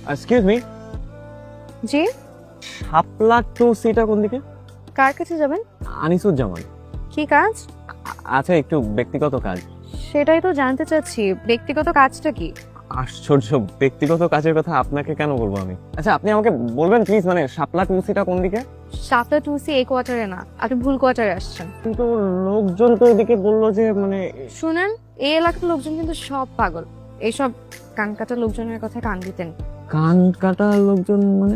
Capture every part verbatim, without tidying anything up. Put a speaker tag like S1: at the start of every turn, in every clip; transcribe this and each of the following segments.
S1: Excuse me,
S2: জি,
S1: শাপলা টু সিটা কোন দিকে?
S2: কার কাছে যাবেন?
S1: আনিসুজ্জামান।
S2: কি কাজ?
S1: আচ্ছা, একটু ব্যক্তিগত কাজ।
S2: সেটাই তো জানতে চাচ্ছি, ব্যক্তিগত কাজটা কি?
S1: আশ্চর্য, ব্যক্তিগত কাজের কথা আপনাকে কেন বলবো আমি? আচ্ছা, আপনি আমাকে বলবেন প্লিজ, মানে শাপলা টু সিটা কোন দিকে?
S2: সাতটা টু সি এই কোয়ার্টারে না, আপনি ভুল কোয়ার্টারে আসছেন।
S1: কিন্তু লোকজন তো এদিকে বললো যে মানে
S2: শুনেন, এই এলাকার লোকজন কিন্তু সব পাগল, এইসব কানকাটা লোকজনের কথা কান দিতেন।
S1: কান কাটা লোকজন মানে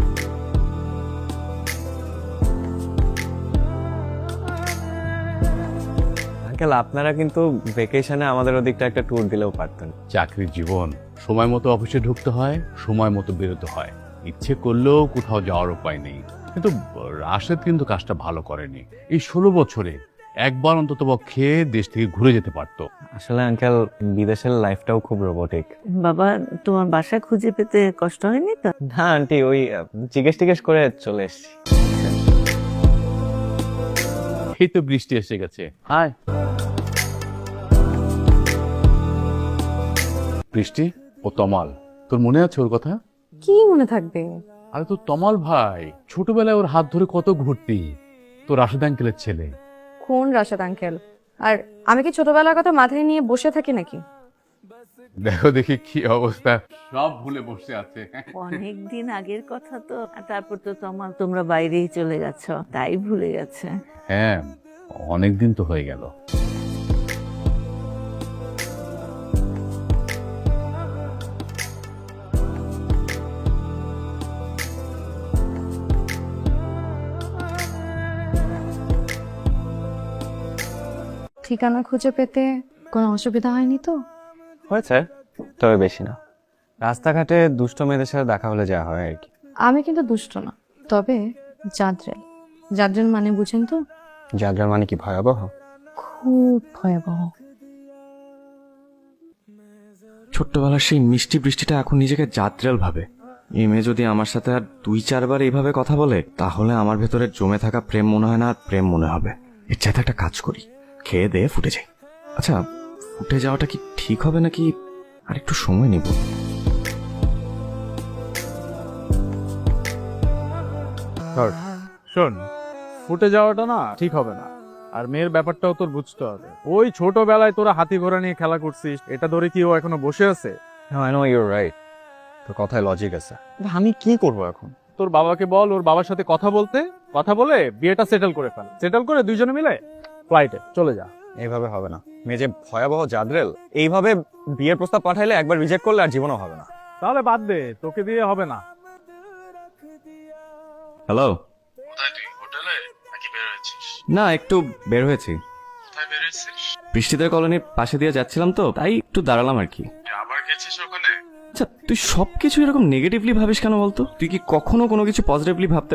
S1: আঙ্কেল, আপনারা কিন্তু ভেকেশনে আমাদের ওদিকটা একটা ট্যুর দিলেও পারতেন।
S3: চাকরির জীবন, সময় মতো অফিসে ঢুকতে হয়, সময় মতো বেরোতে হয়। ইচ্ছে করলেও কোথাও যাওয়ার উপায় নেই। কিন্তু রাশেদ কিন্তু কাজটা ভালো করেনি। এই ষোলো বছরে একবার অন্তত পক্ষে দেশ থেকে ঘুরে যেতে পারতো।
S1: আসলে আঙ্কেল, বিদেশের লাইফটাও খুব রোবটিক।
S4: বাবা, তোমার বাসা খুঁজে পেতে কষ্ট হয়নি তো?
S1: না আন্টি, ওই আহ, জিজ্ঞেস টিজ্ঞেস করে চলে এসেছি।
S3: এই তো বৃষ্টি এসে গেছে। হাই বৃষ্টি, ও তমাল, তোর মনে আছে ওর কথা?
S2: কি মনে থাকবে?
S3: আরে তো তমাল ভাই, ছোটবেলায় ওর হাত ধরে কত ঘুরতি, তো রাশেদ আঙ্কেলের ছেলে।
S2: কোন রাশাদ আঙ্কেল? আর আমি কি ছোটবেলার কথা মাথায় নিয়ে বসে থাকি নাকি?
S3: দেখো দেখি কি অবস্থা, সব ভুলে বসে আছে।
S4: অনেক দিন আগের কথা তো, আর তারপর তো তোমার তোমরা বাইরেই চলে গেছ, তাই ভুলে গেছে।
S3: হ্যাঁ, অনেক দিন তো হয়ে গেল।
S2: ঠিকানা খুঁজে পেতে কোনো অসুবিধা হয়নি তো?
S1: হয়েছে, তবে বেশি না। রাস্তাঘাটে দুষ্ট মেয়েদের সাথে দেখা হলে যা হয় আর কি।
S2: আমি কিন্তু দুষ্ট না, তবে জাদ্রেল। জাদ্রেল মানে বুঝেন তো?
S1: যার মানে কি ভয়াবহ?
S2: খুব ভয়াবহ।
S5: ছোট্টবেলার সেই মিষ্টি বৃষ্টিটা এখন নিজেকে জাত্রেল ভাবে। এই মেয়ে যদি আমার সাথে আর দুই চারবার এইভাবে কথা বলে, তাহলে আমার ভেতরে জমে থাকা প্রেম মনে হয় না আর প্রেম মনে হবে। এর চাইতে একটা কাজ করি, খেয়ে দিয়ে ফুটে যাই। আচ্ছা, ফুটে যাওয়াটা কি ঠিক হবে নাকি আর একটু সময় নিব?
S6: শোন, ফুটে যাওয়াটা না ঠিক হবে না। আর মেয়ের ব্যাপারটাও তোর বুঝতে হবে। ওই ছোটবেলায় তোরা হাতি ঘোড়া নিয়ে খেলা করছিস, এটা ধরে কি ও এখনো বসে আছে?
S1: আই নো ইউর রাইট, তোর কথায় লজিক আছে। আমি কি করব এখন?
S6: তোর বাবাকে বল ওর বাবার সাথে কথা বলতে, কথা বলে বিয়েটা সেটেল করে ফেল। সেটেল করে দুইজনে মিলে ফ্লাইটে চলে যা।
S1: এইভাবে হবে না। মেয়ে যে ভয়াবহ জাদ্রেল, এইভাবে বিয়ের প্রস্তাব পাঠাইলে একবার রিজেক্ট করলে আর জীবনও হবে না।
S6: তাহলে বাদ দে, তোকে দিয়ে হবে না।
S5: হ্যালো।
S7: কোথায় তুই? হোটেলে নাকি বের হয়েছিস?
S5: না, একটু বের হয়েছি।
S7: কোথায় বের হয়েছিস?
S5: বৃষ্টিদের কলোনির পাশে দিয়ে যাচ্ছিলাম তো, তাই একটু দাঁড়ালাম আর কি।
S7: তুই আবার গেছিস ওখানে?
S5: আচ্ছা, তুই সবকিছু এরকম নেগেটিভলি ভাবিস কেন বলতো? তুই কি কখনো কোনো কিছু পজিটিভলি ভাবতে?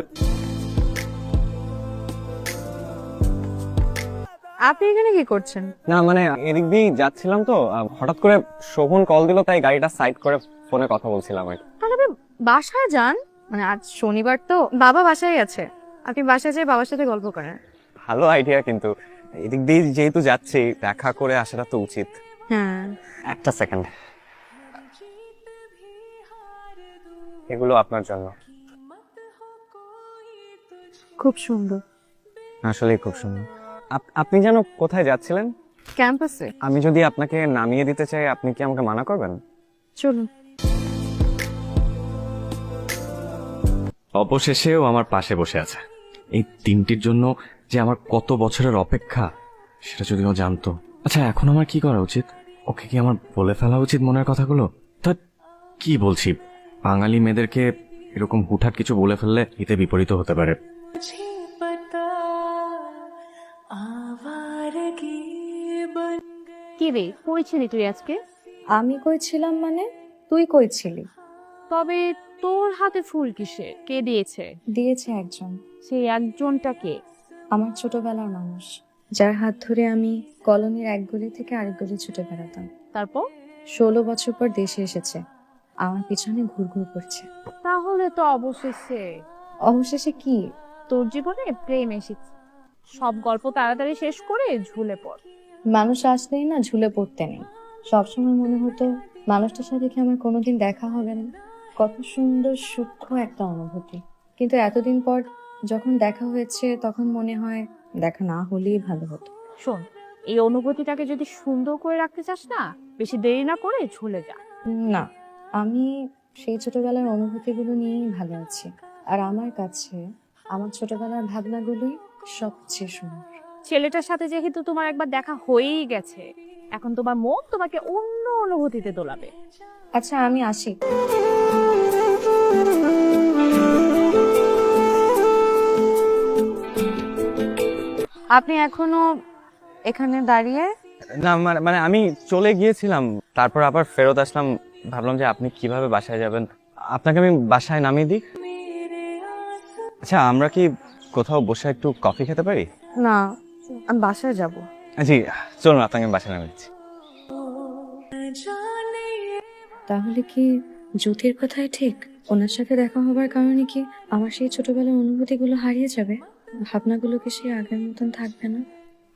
S2: আপনি এখানে কি করছেন?
S1: না মানে এদিক দিয়ে যাচ্ছিলাম তো, আহ, হঠাৎ করে শোভন কল দিল, তাই গাড়িটা সাইড করে ফোনে কথা বলছিলাম আর কি।
S2: তাহলে আপনি বাসায় যান, মানে আজ শনিবার তো, বাবা বাসায় আছে, আপনি বাসায় যেয়ে বাবার সাথে গল্প করেন।
S1: ভালো আইডিয়া, কিন্তু এদিক দিয়ে যেহেতু যাচ্ছি, দেখা করে আসাটা তো উচিত।
S2: হ্যাঁ,
S1: একটা সেকেন্ড, এগুলো আপনার জন্য।
S2: খুব সুন্দর।
S1: আসলেই খুব সুন্দর। আপ- আপনি যেন কোথায় যাচ্ছিলেন?
S2: ক্যাম্পাসে
S1: আমি যদি আপনাকে নামিয়ে দিতে চাই, আপনি কি আমাকে মানা করবেন?
S2: চলুন।
S5: অবশেষেও আমার পাশে বসে আছে। এই তিনটির জন্য যে আমার কত বছরের অপেক্ষা, সেটা যদি ও জানতো। আচ্ছা, এখন আমার কি করা উচিত? ওকে কি আমার বলে ফেলা উচিত মনের কথাগুলো? তা কি বলছি, বাঙালি মেয়েদেরকে এরকম হুটহাট কিছু বলে ফেললে এতে বিপরীত হতে পারে।
S2: কি রে, কইছিলি তুই আজকে? আমি কইছিলাম মানে? তুই কইছিলি। তবে তোর হাতে ফুল কিসে? কে দিয়েছে?
S8: দিয়েছে একজন,
S2: সেই একজনটা কে?
S8: আমার ছোটবেলার মানুষ, যার হাত ধরে আমি কলোনির এক গলি থেকে আরেক গলি ছুটে বেড়াতাম।
S2: তারপর?
S8: ষোলো বছর পর দেশে এসেছে, আমার পিছনে ঘুরঘুর করছে।
S2: তাহলে তো অবশেষে
S8: অবশেষে কি?
S2: তোর জীবনে প্রেম এসেছে। সব গল্প তাড়াতাড়ি শেষ করে ঝুলে পড়।
S8: মানুষ আসলেই না ঝুলে পড়তে নেই। সবসময় মনে হতো মানুষটার সাথে কি আমার কোনোদিন দেখা হবে না। কত সুন্দর সূক্ষ্ম একটা অনুভূতি, কিন্তু এতদিন পর যখন দেখা হয়েছে তখন মনে হয় দেখা না হলেই ভালো হতো।
S2: শোন, এই অনুভূতিটাকে যদি সুন্দর করে রাখতে চাস না, বেশি দেরি না করে চলে যা।
S8: না, আমি সেই ছোটবেলার অনুভূতিগুলো নিয়েই ভালো আছি, আর আমার কাছে আমার ছোটবেলার ভাবনাগুলোই সবচেয়ে সুন্দর।
S2: ছেলেটার সাথে যেহেতু তোমার একবার দেখা হয়েই গেছে, এখন তোমার মন তোমাকে অন্য অনুভূতিতে দোলাবে।
S8: আচ্ছা, আমি আসি।
S2: আপনি এখনো এখানে দাঁড়িয়ে?
S1: না মানে মানে আমি চলে গিয়েছিলাম, তারপর আবার ফেরত আসলাম। ভাবলাম যে আপনি কিভাবে বাসায় যাবেন, আপনাকে আমি বাসায় নামিয়ে দিই। আচ্ছা, আমরা কি কোথাও বসে একটু কফি খেতে পারি?
S2: না, আমি বাসায় যাব।
S1: জি চলুন, আপনাকে আমি বাসায় নামিয়ে দিচ্ছি।
S8: তাহলে কি জ্যোতির কথাই ঠিক? ওনার সাথে দেখা হবার কারণে কি আমার সেই ছোটবেলার অনুভূতিগুলো হারিয়ে যাবে? ভাবনাগুলো কি সেই আগের মতন থাকবে না?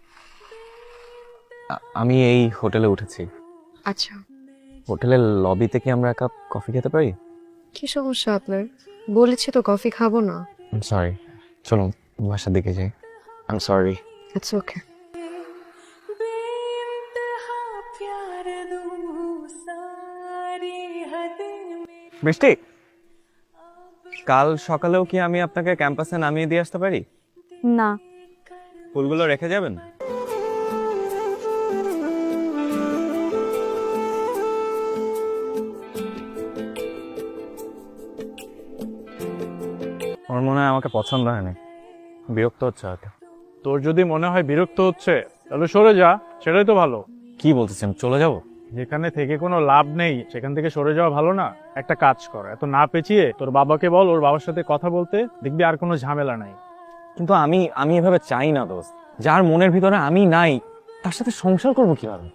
S1: আ- আমি এই হোটেলে উঠেছি।
S8: আচ্ছা,
S1: হোটেলের লবিতে কি আমরা এক কাপ কফি খেতে পারি?
S8: কি সমস্যা আপনার? বলেছি তো কফি খাবো না।
S1: সরি, চলুন বাসার দিকে যাই। I am sorry.
S8: It's okay.
S1: বৃষ্টি, কাল সকালেও কি আমি আপনাকে ক্যাম্পাসে নামিয়ে দিয়ে আসতে পারি?
S2: না,
S1: ফুলগুলো রেখে যাবেন? ওর মনে হয় আমাকে পছন্দ হয়নি, বিরক্ত হচ্ছে হয়তো।
S6: তোর যদি মনে হয় বিরক্ত হচ্ছে তাহলে সরে যা, সেটাই তো ভালো।
S1: কি বলতেছেন, চলে যাব?
S6: যেখানে থেকে কোনো লাভ নেই সেখান থেকে সরে যাওয়া ভালো না? একটা কাজ কর, এত না পেঁচিয়ে তোর বাবাকে বল ওর বাবার সাথে কথা বলতে, দেখবি আর কোনো ঝামেলা নাই।
S1: কিন্তু আমি আমি এভাবে চাই না দোস্ত। যার মনের ভিতরে আমি নাই তার সাথে সংসার করবো কিভাবে?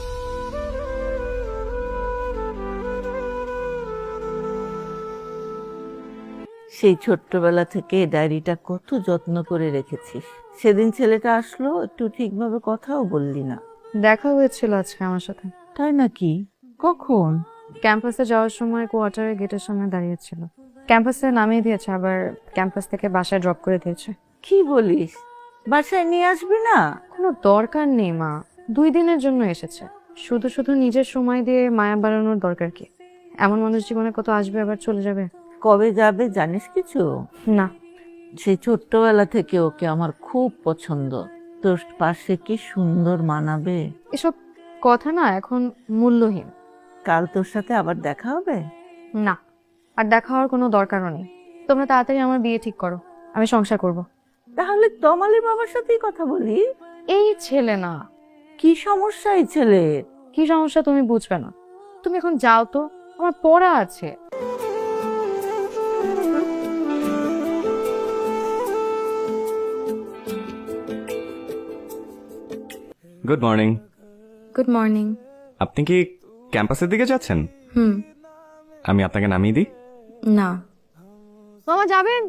S4: সেই ছোট্টবেলা থেকে ডায়েরিটা কত যত্ন করে রেখেছিস। সেদিন ছেলেটা আসলো, একটু ঠিকভাবে কথাও বললি না।
S8: দেখা হয়েছিল আজকে আমার সাথে।
S4: তাই নাকি? কখন?
S8: ক্যাম্পাসে যাওয়ার সময় কোয়ার্টারের গেটের সামনে দাঁড়িয়েছিল। ক্যাম্পাসে নামিয়ে দিয়েছে, আবার ক্যাম্পাস থেকে বাসায় ড্রপ করে দিয়েছে।
S4: কি বলিস? বাসায় নিয়ে আসবি না?
S8: কোনো দরকার নেই মা, দুই দিনের জন্য এসেছে। শুধু শুধু নিজের সময় দিয়ে মায়া বাড়ানোর দরকার কি? এমন মানুষ জীবনে কত আসবে আবার চলে যাবে।
S4: কবে যাবে জানিস কিছু?
S8: না,
S4: সেই ছোট্টবেলা থেকে ওকে আমার খুব পছন্দ। তোর পাশে কি সুন্দর মানাবে।
S8: এসব কথা না এখন মূল্যহীন।
S4: কাল তোর সাথে আবার দেখা হবে?
S8: না, আর দেখা হওয়ার কোনো দরকারও নেই। তোমরা তাড়াতাড়ি আমার বিয়ে ঠিক করো, আমি সংসার করব।
S4: তাহলে তমালের বাবার সাথেই কথা বলি।
S8: এই ছেলে না,
S4: কি সমস্যা এই ছেলের?
S8: কি সমস্যা তুমি বুঝবে না। তুমি এখন যাও তো, আমার পড়া আছে।
S5: Good morning.
S8: Good morning.
S5: আপনি কি ক্যাম্পাসের দিকে যাচ্ছেন?
S8: হুম।
S5: আমি আপনাকে নামিয়ে দিই?
S8: না।
S2: মামা যাবেন?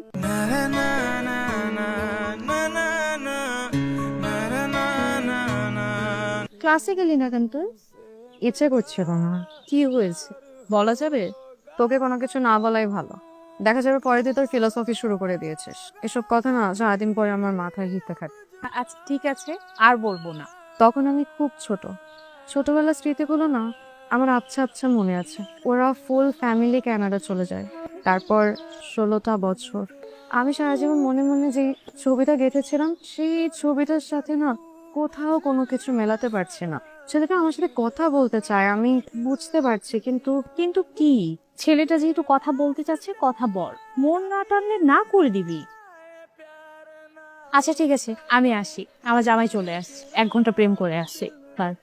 S2: ক্লাসে গেলি না কেন তুই?
S8: ইচ্ছে করছিল না।
S2: কি হয়েছে বলা যাবে?
S8: তোকে কোনো কিছু না বলাই ভালো। দেখা যাবে পরে তুই তোর ফিলোসফি শুরু করে দিয়েছিস। এসব কথা না সারাদিন পরে আমার মাথায় হিতে থাকে।
S2: আচ্ছা ঠিক আছে, আর বলবো না।
S8: তখন আমি খুব ছোট, ছোটবেলার স্মৃতিগুলো না আমার আচ্ছা আচ্ছা মনে আছে। ওরা ফুল ফ্যামিলি কানাডা চলে যায়। তারপর ষোলোটা বছর আমি সারা জীবন মনে মনে যে ছবিটা গেঁথেছিলাম, সেই ছবিটার সাথে না কোথাও কোনো কিছু মেলাতে পারছি না। ছেলেটা আমার সাথে কথা বলতে চায়, আমি বুঝতে পারছি, কিন্তু
S2: কিন্তু কি, ছেলেটা যেহেতু কথা বলতে চাচ্ছে কথা বল, মন না টানলে না করে দিবি। আচ্ছা ঠিক আছে, আমি আসি, আমার জামাই চলে আসছে, এক ঘন্টা প্রেম করে আসছে। বাই।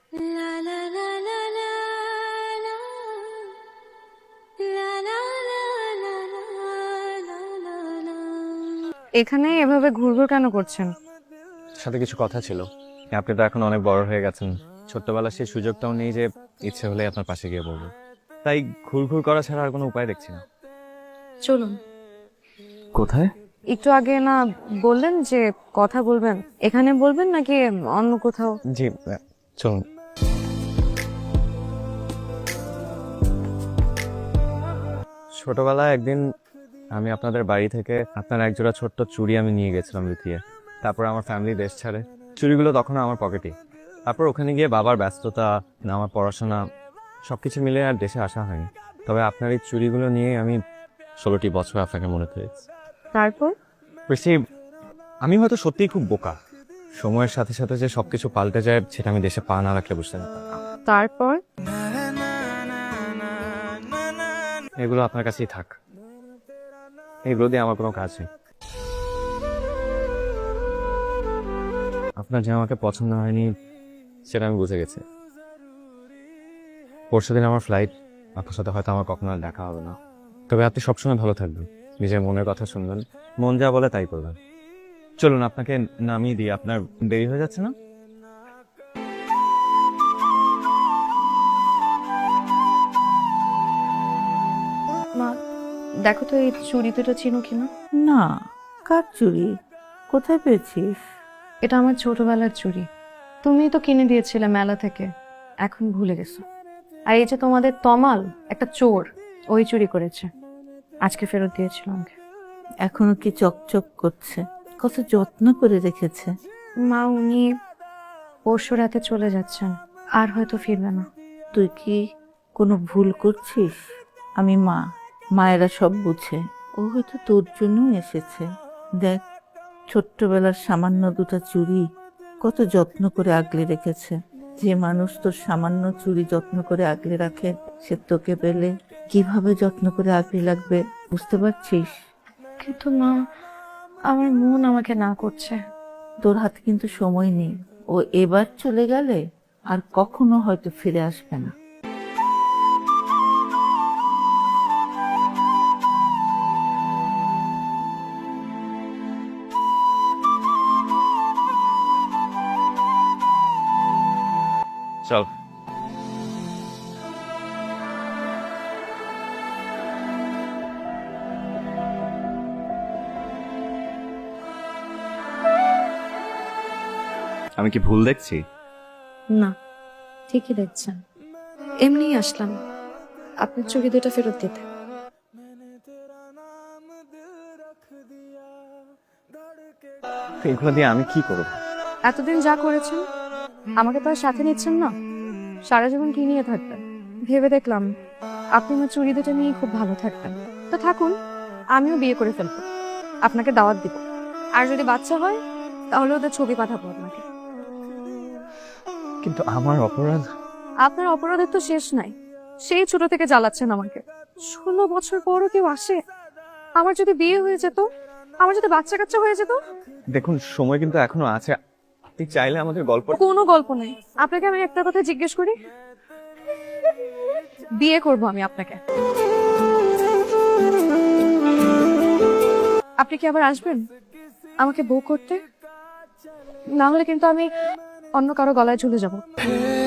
S8: এখানে এভাবে ঘুরঘুর কেন করছেন?
S1: সাথে কিছু কথা ছিল। আপনি তো এখন অনেক বড় হয়ে গেছেন, ছোট্টবেলার সেই সুযোগটাও নেই যে ইচ্ছে হলে আপনার পাশে গিয়ে বলবো। তাই ঘুরঘুর করা ছাড়া আর কোনো উপায় দেখছি না।
S8: চলুন।
S5: কোথায়?
S8: একটু আগে না বললেন যে কথা বলবেন, এখানে বলবেন নাকি অন্য কোথাও?
S1: জি চলুন। ছোটবেলায় একদিন আমি আপনাদের বাড়ি থেকে আপনার একজোড়া ছোট্ট চুড়ি আমি নিয়ে গেছিলাম লুকিয়ে। তারপর আমার ফ্যামিলি দেশ ছাড়ে, চুড়িগুলো তখন আমার পকেটে। তারপর ওখানে গিয়ে বাবার ব্যস্ততা, না আমার পড়াশোনা, সবকিছু মিলে আর দেশে আসা হয়নি। তবে আপনার এই চুড়িগুলো নিয়ে আমি ষোলোটি বছর আপনাকে মনে করেছি।
S2: তারপর
S1: বেশি আমি হয়তো সত্যিই খুব বোকা, সময়ের সাথে সাথে যে সবকিছু পাল্টে যায় সেটা আমি দেশে পা না রাখলে বুঝতে পারতাম না।
S2: তারপর
S1: এগুলো আপনার কাছেই থাক, এগুলো দিয়ে আমার কোনো কাজ নেই। আপনার যে আমাকে পছন্দ হয়নি সেটা আমি বুঝে গেছি। পরশু দিন আমার ফ্লাইট, আপনার সাথে হয়তো আমার কখনো আর দেখা হবে না। তবে আপনি সবসময় ভালো থাকবেন, নিজের মনের কথা শুনবেন, মন যা বলে তাই করবেন। চলুন আপনাকে নামিয়ে দিই, আপনার দেরি হয়ে যাচ্ছে না?
S2: মা দেখো তো এই চুড়ি দুটো চিনো কিনা?
S4: না, কার চুড়ি? কোথায় পেয়েছিস?
S2: এটা আমার ছোটবেলার চুড়ি, তুমি তো কিনে দিয়েছিলে মেলা থেকে, এখন ভুলে গেছো। আর এই যে তোমাদের তমাল, একটা চোর, ওই চুরি করেছে, আজকে ফেরত দিয়েছিল আমাকে।
S4: এখনো কি চকচক করছে? কত যত্ন করে রেখেছে।
S2: মা উনি পরশু রাতে চলে যাচ্ছেন, আর হয়তো ফিরবে না।
S4: তুই কি কোনো ভুল করছিস? আমি মা, মায়েরা সব বুঝে। ও হয়তো তোর জন্যই এসেছে। দেখ, ছোট্টবেলার সামান্য দুটো চুড়ি কত যত্ন করে আগলে রেখেছে। যে মানুষ তোর সামান্য চুড়ি যত্ন করে আগলে রাখে, সে তোকে পেলে কিভাবে যত্ন করে আগলে রাখবে বুঝতে পারছিস?
S2: কিন্তু মা, আমার মন আমাকে না করছে।
S4: তোর হাতে কিন্তু সময় নেই। ও এবার চলে গেলে আর কখনো হয়তো ফিরে আসবে না।
S1: চল।
S5: আমি কি ভুল দেখছি?
S2: না, ঠিকই দেখছেন। এমনিই আসলাম আপনার চুড়ি দুটো ফেরত দিতে।
S1: এগুলো দিয়ে আমি কি করব?
S2: এতদিন যা করেছেন, আমাকে তো আর সাথে নিচ্ছেন না, সারা জীবন কি নিয়ে থাকবেন? ভেবে দেখলাম আপনি আমার চুড়ি দুটো নিয়ে খুব ভালো থাকবেন। তো থাকুন, আমিও বিয়ে করে ফেলবো, আপনাকে দাওয়াত দিব। আর যদি বাচ্চা হয় তাহলে ওদের ছবি পাঠাবো আপনাকে।
S1: কিন্তু আমার অপরাধ।
S2: আপনার অপরাধের তো শেষ নাই, সেই ছোট থেকে জ্বালাচ্ছেন আমাকে। ষোলো বছর পরও কেউ আসে? আমার যদি বিয়ে হয়ে যেত, আমার যদি বাচ্চা কাচ্চা হয়ে যেত।
S1: দেখুন, সময় কিন্তু এখনো আছে, আপনি চাইলে আমাদের গল্প।
S2: কোনো গল্প নেই। আপনাকে আমি একটা কথা জিজ্ঞেস করি, বিয়ে করব আমি আপনাকে, আপনি কি আবার আসবেন আমাকে বউ করতে? না হলে কিন্তু আমি অন্য কারো গলায় ঝুলে যাব।